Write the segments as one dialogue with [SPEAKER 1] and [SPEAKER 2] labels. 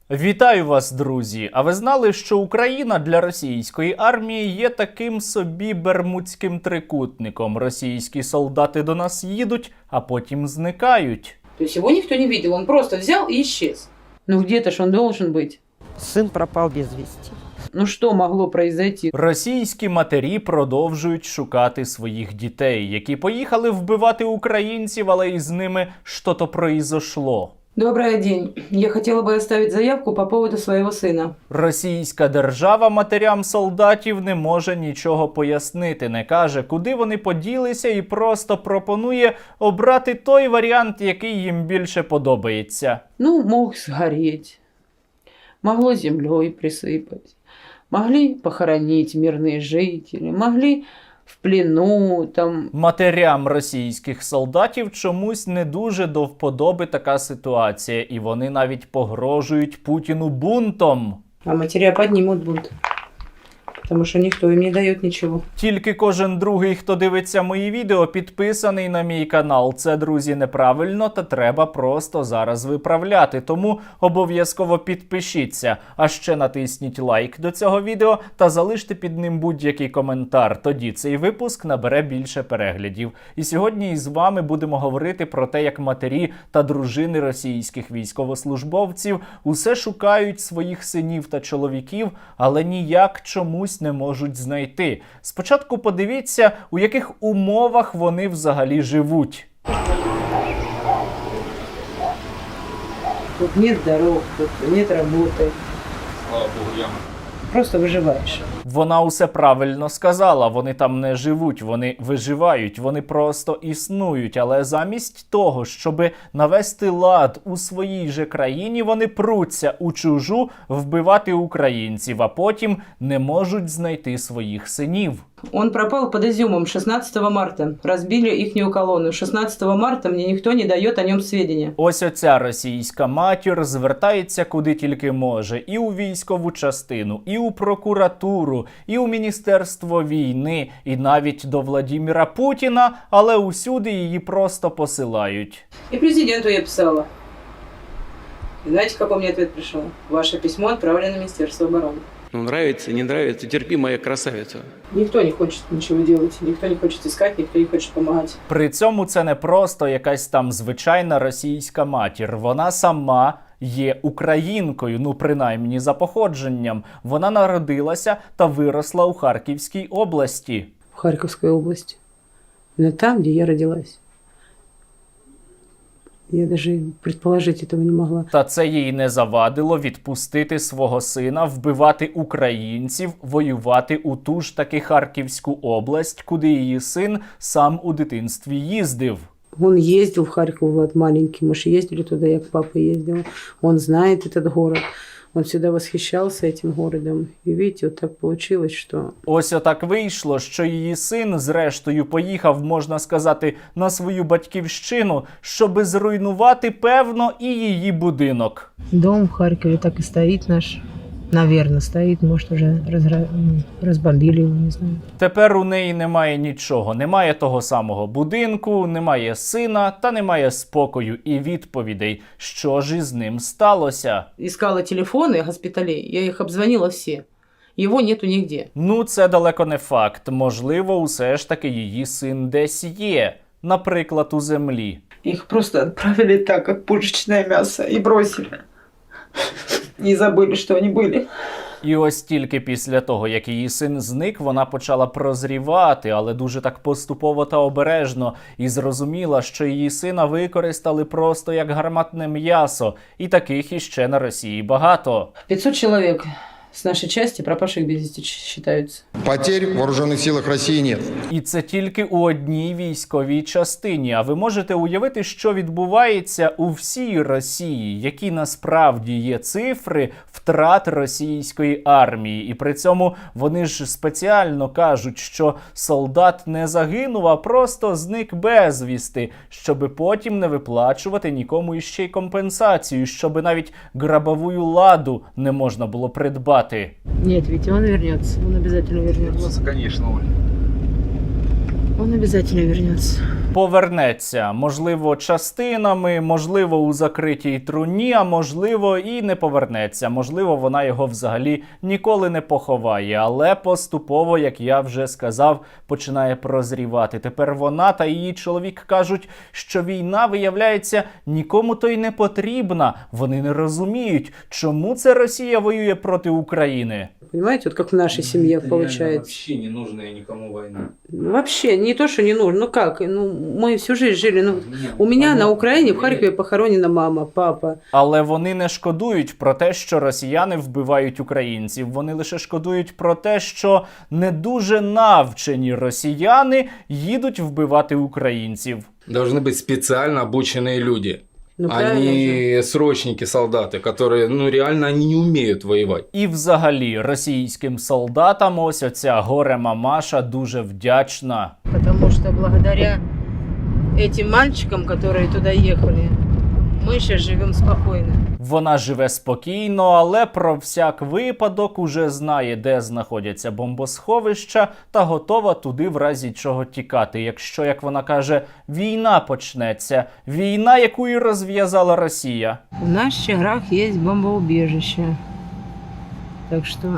[SPEAKER 1] Вітаю вас, друзі! А ви знали, що Україна для російської армії є таким собі бермудським трикутником? Російські солдати до нас їдуть, а потім зникають.
[SPEAKER 2] То есть его никто не видел, он просто взял и исчез. Ну где-то ж он должен быть.
[SPEAKER 3] Сын пропал без вести.
[SPEAKER 2] Ну что могло произойти?
[SPEAKER 1] Російські матері продовжують шукати своїх дітей, які поїхали вбивати українців, але із ними що-то произошло.
[SPEAKER 2] Добрый день. Я хотела бы оставить заявку по поводу своего сына.
[SPEAKER 1] Російська держава матерям солдатів не може нічого пояснити, не каже, куди вони поділися, і просто пропонує обрати той варіант, який їм більше подобається.
[SPEAKER 2] Ну, мог сгореть. Могло землей присыпать. Могли похоронить мирные жители. Могли в плену там.
[SPEAKER 1] Матерям російських солдатів чомусь не дуже до вподоби така ситуація, і вони навіть погрожують Путіну бунтом.
[SPEAKER 2] А матеря поднимут бунт. Потому что никто им не дает ничего.
[SPEAKER 1] Тільки кожен другий, хто дивиться мої відео, підписаний на мій канал. Це, друзі, неправильно та треба просто зараз виправляти. Тому обов'язково підпишіться. А ще натисніть лайк до цього відео та залиште під ним будь-який коментар. Тоді цей випуск набере більше переглядів. І сьогодні із вами будемо говорити про те, як матері та дружини російських військовослужбовців усе шукають своїх синів та чоловіків, але ніяк чомусь не можуть знайти. Спочатку подивіться, у яких умовах вони взагалі живуть.
[SPEAKER 2] Тут нет дорог, тут нет работы.
[SPEAKER 4] Слава Богу, яма.
[SPEAKER 2] Просто выживаешь.
[SPEAKER 1] Вона усе правильно сказала, вони там не живуть, вони виживають, вони просто існують. Але замість того, щоб навести лад у своїй же країні, вони пруться у чужу вбивати українців, а потім не можуть знайти своїх синів.
[SPEAKER 2] Он пропал под Изюмом 16 марта. Разбили ихнюю колонну. 16 марта мне никто не дает о нем сведения.
[SPEAKER 1] Ось оця російська матір звертається куди тільки може. І у військову частину, і у прокуратуру, і у Міністерство війни, і навіть до Владимира Путіна, але усюди її просто посилають.
[SPEAKER 2] И президенту я писала. И знаете, какой мне ответ пришел? Ваше письмо отправлено в Министерство обороны.
[SPEAKER 4] Ну, нравится, не нравится, терпи, моя красавица.
[SPEAKER 2] Никто не хочет ничего делать, никто не хочет искать, никто не хочет помогать.
[SPEAKER 1] При цьому це не просто якась там звичайна російська матір. Вона сама є українкою, ну принаймні за походженням. Вона народилася та виросла у Харківській області.
[SPEAKER 2] В Харьковской области. Но там, где я родилась. Я даже предположить этого не могла.
[SPEAKER 1] Та це їй не завадило відпустити свого сина, вбивати українців, воювати у ту ж таки Харківську область, куди її син сам у дитинстві їздив.
[SPEAKER 2] Он ездил в Харьков, Влад, маленький. Мы же ездили туда, я к папе ездила. Он знает этот город. Он всегда восхищался этим городом. И видите, вот так получилось, что...
[SPEAKER 1] Ось отак вийшло, що її син зрештою поїхав, можна сказати, на свою батьківщину, щоби зруйнувати, певно, і її будинок.
[SPEAKER 5] Дом в Харькове так и стоит наш. Наверное, стоит. Может, уже разбомбили его, не знаю.
[SPEAKER 1] Тепер у неї немає нічого. Немає того самого будинку, немає сина та немає спокою і відповідей, що ж із ним сталося.
[SPEAKER 2] Искала телефоны госпиталей, я их обзвонила все. Его нету нигде.
[SPEAKER 1] Ну, це далеко не факт. Можливо, усе ж таки її син десь є. Наприклад, у землі.
[SPEAKER 6] Их просто отправили так, как пушечное мясо, и бросили. И забыли, что они были.
[SPEAKER 1] І ось тільки після того, як її син зник, вона почала прозрівати, але дуже так поступово та обережно, і зрозуміла, що її сина використали просто як гарматне м'ясо, і таких іще на Росії багато.
[SPEAKER 2] 500 человек с нашей части пропавших без вести считаются.
[SPEAKER 7] Потерь в вооруженных силах России нет.
[SPEAKER 1] І це тільки у одній військовій частині. А ви можете уявити, що відбувається у всій Росії, які насправді є цифри втрат російської армії. І при цьому вони ж спеціально кажуть, що солдат не загинув, а просто зник безвісти, щоби потім не виплачувати нікому іще й компенсацію, щоби навіть грабовую ладу не можна було придбати.
[SPEAKER 5] Нет, ведь он вернется. Он обязательно вернется.
[SPEAKER 4] Конечно, Оля.
[SPEAKER 5] Он обязательно вернется.
[SPEAKER 1] Повернеться, можливо, частинами, можливо, у закритій труні, а можливо, і не повернеться. Можливо, вона його взагалі ніколи не поховає, але поступово, як я вже сказав, починає прозрівати. Тепер вона та її чоловік кажуть, що війна, виявляється, нікому то й не потрібна. Вони не розуміють, чому це Росія воює проти України.
[SPEAKER 2] Понимаете, вот как в нашей семье получается.
[SPEAKER 4] Вообще не нужная никому война.
[SPEAKER 2] Вообще, не то, что не нужно. Ну как? Ну, мы всю жизнь жили. Ну, у меня на Украине, в Харькове похоронена мама, папа.
[SPEAKER 1] Але вони не шкодують про те, що росіяни вбивають українців. Вони лише шкодують про те, що не дуже навчені росіяни їдуть вбивати українців.
[SPEAKER 8] Должны быть специально обученные люди.
[SPEAKER 2] Ну, правильно же.
[SPEAKER 8] Они срочники, солдаты, которые, ну, реально, они не умеют воевать.
[SPEAKER 1] І взагалі російським солдатам ось оця горе-мамаша дуже вдячна.
[SPEAKER 5] Потому что благодаря этим мальчикам, которые туда ехали, мы сейчас живем спокойно.
[SPEAKER 1] Вона живе спокійно, але про всяк випадок уже знає, де знаходяться бомбосховища, та готова туди в разі чого тікати. Якщо, як вона каже, війна почнеться. Війна, яку і розв'язала Росія.
[SPEAKER 5] В наш Чаграх есть бомбоубежище. Так что,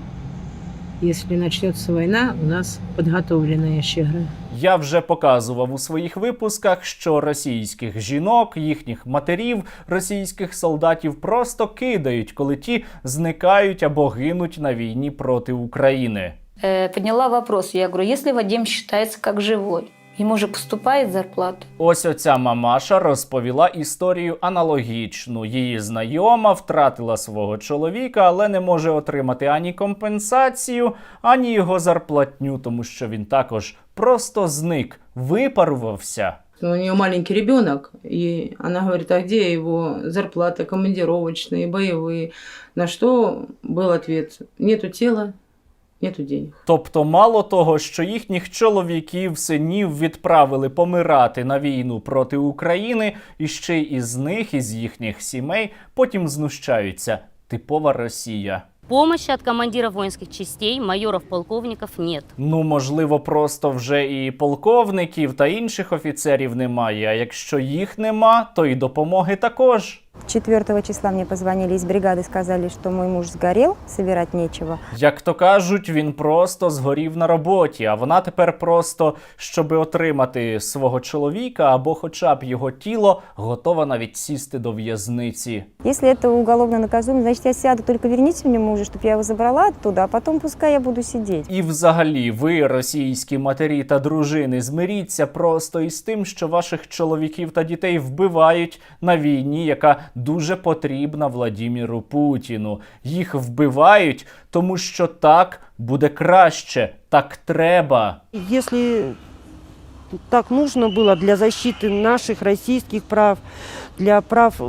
[SPEAKER 5] если начнется война, у нас подготовленные Чагры.
[SPEAKER 1] Я вже показував у своїх випусках, що російських жінок, їхніх матерів, російських солдатів просто кидають, коли ті зникають або гинуть на війні проти України.
[SPEAKER 9] Подняла вопрос. Я говорю, если Вадим считается как живой, ему же поступает зарплата.
[SPEAKER 1] Ось оця мамаша розповіла історію аналогічну. Її знайома втратила свого чоловіка, але не може отримати ані компенсацію, ані його зарплатню, тому що він також просто зник, випарувався.
[SPEAKER 2] У нее маленький ребенок, и она говорит, а где его зарплата, командировочные, боевые? На что был ответ, нету тела, нету денег.
[SPEAKER 1] Тобто мало того, що їхніх чоловіків, синів відправили помирати на війну проти України, і ще й із них, із їхніх сімей, потім знущаються. Типова Росія.
[SPEAKER 10] Помощи от командиров воинских частей, майоров, полковников нет.
[SPEAKER 1] Ну, можливо, просто вже і полковників та інших офіцерів немає, а якщо їх нема, то і допомоги також.
[SPEAKER 11] 4 числа мне позвонили из бригады, сказали, что мой муж сгорел, собирать нечего.
[SPEAKER 1] Як то кажуть, він просто згорів на роботі, а вона тепер просто, щоби отримати свого чоловіка або хоча б його тіло, готова навіть сісти до в'язниці.
[SPEAKER 11] Если это уголовно наказуемо, значит, я сяду, только верните мне мужа, чтобы я его забрала оттуда, а потом пускай я буду сидеть.
[SPEAKER 1] І взагалі, ви, російські матері та дружини, змиріться просто із тим, що ваших чоловіків та дітей вбивають на війні, яка дуже потрібна Владіміру Путіну. Їх вбивають, тому що так буде краще, так треба.
[SPEAKER 3] Если так нужно было для защиты наших российских прав, для прав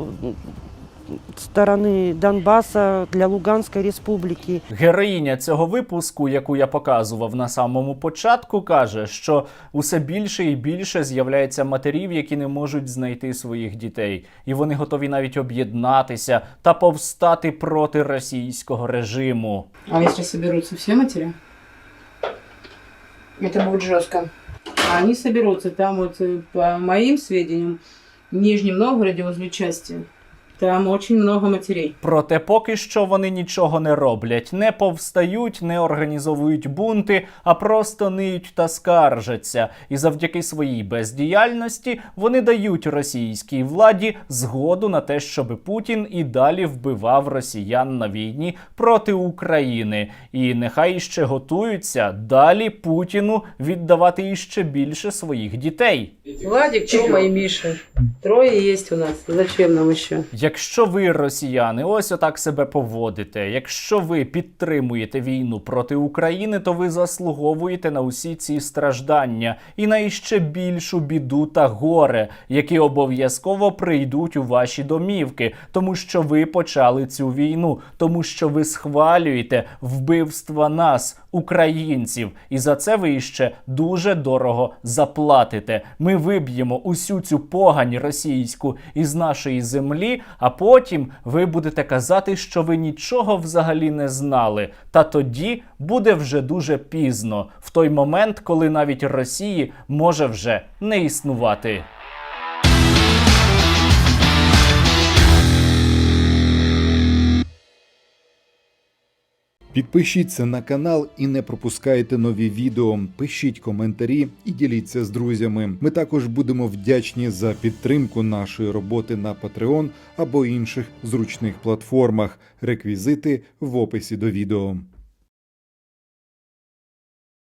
[SPEAKER 3] стороны Донбасса, для Луганской республики.
[SPEAKER 1] Героїня цього випуску, яку я показував на самому початку, каже, що усе більше і більше з'являється матерів, які не можуть знайти своїх дітей. І вони готові навіть об'єднатися та повстати проти російського режиму.
[SPEAKER 2] А если соберутся все матери? Это будет жестко. А они соберутся там вот, по моим сведениям, в Нижнем Новгороде возле части. Там очень много матерей.
[SPEAKER 1] Проте поки що вони нічого не роблять, не повстають, не організовують бунти, а просто ниють та скаржаться. І завдяки своїй бездіяльності вони дають російській владі згоду на те, щоб Путін і далі вбивав росіян на війні проти України. І нехай іще готуються далі Путіну віддавати іще більше своїх дітей.
[SPEAKER 2] Владик, Тёма и Миша. 3 есть у нас. Зачем нам еще?
[SPEAKER 1] Якщо ви, росіяни, ось отак себе поводите, якщо ви підтримуєте війну проти України, то ви заслуговуєте на усі ці страждання і на іще більшу біду та горе, які обов'язково прийдуть у ваші домівки, тому що ви почали цю війну, тому що ви схвалюєте вбивства нас, українців, і за це ви іще дуже дорого заплатите. Ми виб'ємо усю цю погань російську із нашої землі, а потім ви будете казати, що ви нічого взагалі не знали. Та тоді буде вже дуже пізно, в той момент, коли навіть Росії може вже не існувати.
[SPEAKER 12] Підпишіться на канал і не пропускайте нові відео, пишіть коментарі і діліться з друзями. Ми також будемо вдячні за підтримку нашої роботи на Patreon або інших зручних платформах. Реквізити в описі до відео.